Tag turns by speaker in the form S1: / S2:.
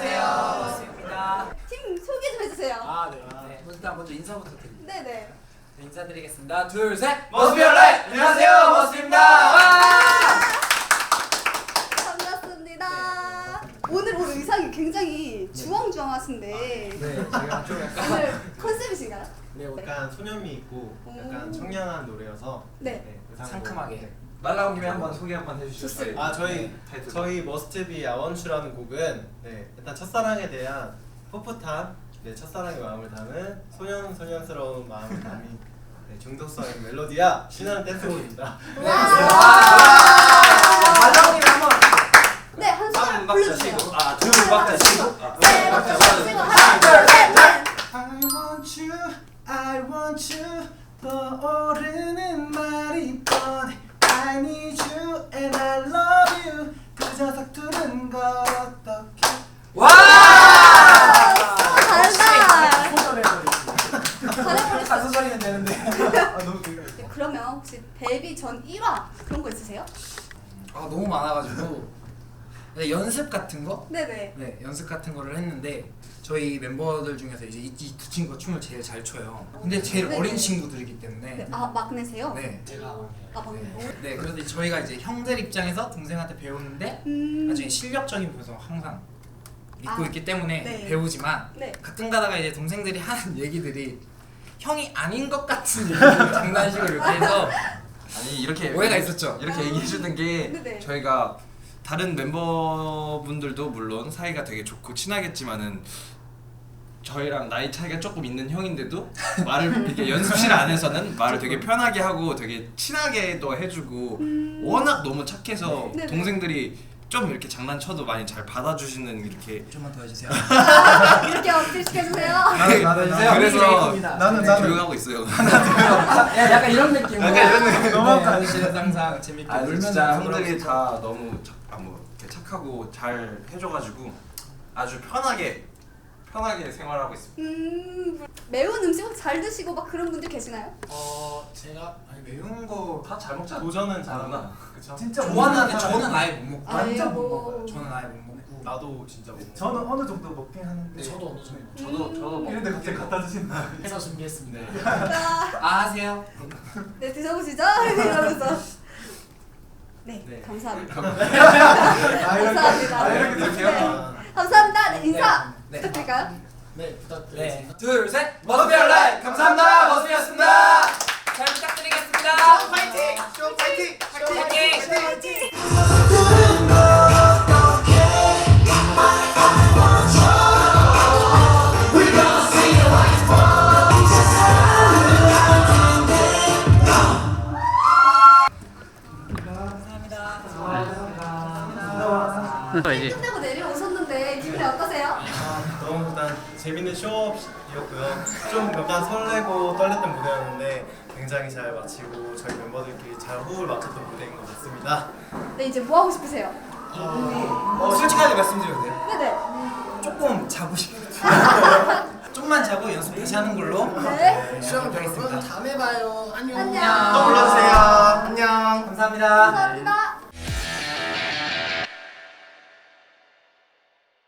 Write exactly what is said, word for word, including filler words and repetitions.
S1: 안녕하세요. 반갑습니다.
S2: 팀 소개 좀 해주세요.
S1: 아, 네. 네. 일단 먼저 인사부터 드립니다.
S2: 네네.
S1: 네, 인사드리겠습니다. 둘, 셋.
S3: 머스비얼라이트! 안녕하세요, 머스비입니다.
S2: 반갑습니다. 오늘 올 의상이 굉장히 주황주황하신데
S1: 네, 제가 좀 약간
S2: 오늘 컨셉이신가요?
S1: 네, 오늘
S3: 약간 소년미 있고 약간
S2: 오.
S3: 청량한 노래여서
S2: 네.
S3: 의상도-
S1: 상큼하게.
S3: 네.
S4: 말 나온 김에 한번 소개 한번 해주시죠.
S2: 좋습니다.
S3: 아 저희
S4: 타이틀.
S3: 저희 머스트비 아원추라는 곡은 네 일단 첫사랑에 대한 풋풋한 네 첫사랑의 마음을 담은 소년 소년스러운 마음을 담은 네, 중독성의 멜로디야 신나는 댄스곡입니다.
S1: 네.
S2: 와.
S1: 말랑님이 한번.
S2: 네, 한 소절 불러주세요.
S4: 아, 두 박자 치고. 아,
S2: 네, 박자 치고 하나, 둘, 셋, 넷.
S3: I want you, I want you 떠오르는 말이 뻔해 I need you and I love you 그저 서투른 걸 어떻게
S1: 와!
S2: 잘한다.
S1: 소절해버리지.
S2: 잘해버렸어.
S1: 가수 소리는 되는데. 아, 너무 귀여워.
S2: 네, 그러면 혹시 데뷔 전 일 화 그런 거 있으세요?
S1: 아, 너무 많아가지고. 네, 연습 같은 거?
S2: 네네.
S1: 네, 연습 같은 거를 했는데 저희 멤버들 중에서 이제 이 두 친구가 춤을 제일 잘 춰요. 근데 제일
S2: 네네.
S1: 어린 친구들이기 때문에.
S2: 네. 아, 막내세요?
S1: 네, 제가
S2: 아, 막내.
S1: 네. 네, 그래서 이제 저희가 이제 형들 입장에서 동생한테 배우는데
S2: 음.
S1: 나중에 실력적인 부분에서 항상 믿고
S2: 아,
S1: 있기 때문에
S2: 네.
S1: 배우지만
S2: 네.
S1: 가끔 가다가 이제 동생들이 하는 얘기들이 형이 아닌 것 같은 얘기를 장난식으로 이렇게 해서
S4: 아니 이렇게
S1: 오해가 있었죠.
S4: 이렇게 얘기해 주는 게
S2: 네네.
S4: 저희가 다른 멤버분들도 물론 사이가 되게 좋고 친하겠지만은 저희랑 나이 차이가 조금 있는 형인데도 말을 이렇게 연습실 안에서는 말을 되게 편하게 하고 되게 친하게도 해주고 워낙 너무 착해서
S2: 네네.
S4: 동생들이 좀 이렇게 장난쳐도 많이 잘 받아주시는 이렇게
S1: 좀만 더 해주세요.
S2: 이렇게 어필시켜주세요.
S1: 나도 받아주세요.
S4: 그래서
S3: 나는
S4: 네,
S3: 나는
S4: 조용하고 있어요.
S1: 야, 약간 이런 느낌으로.
S4: 약간 이런 느낌.
S1: 너무 아저씨는 항상 재밌게
S4: 아
S1: 놀면서
S4: 진짜
S1: 그러고
S4: 형들이
S1: 있고.
S4: 다 너무 착, 아, 뭐 이렇게 착하고 잘 해줘가지고 아주 편하게 편하게 생활하고 있습니다.
S2: 음, 매운 음식 혹시 잘 드시고 막 그런 분들 계시나요?
S1: 어, 제가 아니 매운 거
S4: 다 잘 먹잖아.
S3: 도전은 잘하나 그쵸?
S5: 진짜
S1: 좋아하는데 저는 아예 못 먹고.
S2: 완전
S5: 못
S2: 뭐-
S5: 먹어요.
S1: 저는 아예 못 먹고.
S3: 나도 진짜 못 먹어.
S5: 저는 어느 정도 먹긴 하는데
S1: 네, 저도 어느 정도.
S4: 저도 저도 먹.
S5: 이런데 갑자기 갖다 주신다.
S1: 해서 준비했습니다.
S2: 자,
S1: 아, 하세요.
S2: 네, 드셔보시죠. 이러면서. 네,
S1: 네.
S2: 감사합니다.
S5: 아 이렇게
S2: 감사합니다.
S5: 아 이렇게
S2: 네.
S5: 드세요?
S2: 감사합니다. 네, 인사
S1: 네.
S2: 부탁드릴까요?
S1: 네, 부탁드리겠습니다. 둘, 셋. 머스비얼라이트 감사합니다. 머스비였습니다. 잘 부탁드리겠습니다. 파이팅!
S3: 쇼 파이팅!
S1: 파이팅!
S2: 화이팅! 끝내고 내려오셨는데 기분이 어떠세요?
S3: 너무 일단 재밌는 쇼업이었고요. 좀 약간 설레고 떨렸던 무대였는데 굉장히 잘 마치고 저희 멤버들끼리 잘 호흡을 맞췄던 무대인 것 같습니다.
S2: 네, 이제 뭐 하고 싶으세요?
S1: 어, 솔직하게 말씀드려도 돼요?
S2: 네네.
S1: 조금 자고 싶어요. 좀만 자고 연습 다시 하는 걸로
S2: 네.
S1: 수영을 하겠습니다.
S5: 다음에 봐요. 안녕.
S2: 안녕.
S3: 또 불러주세요. 안녕.
S1: 감사합니다.
S2: 감사합니다.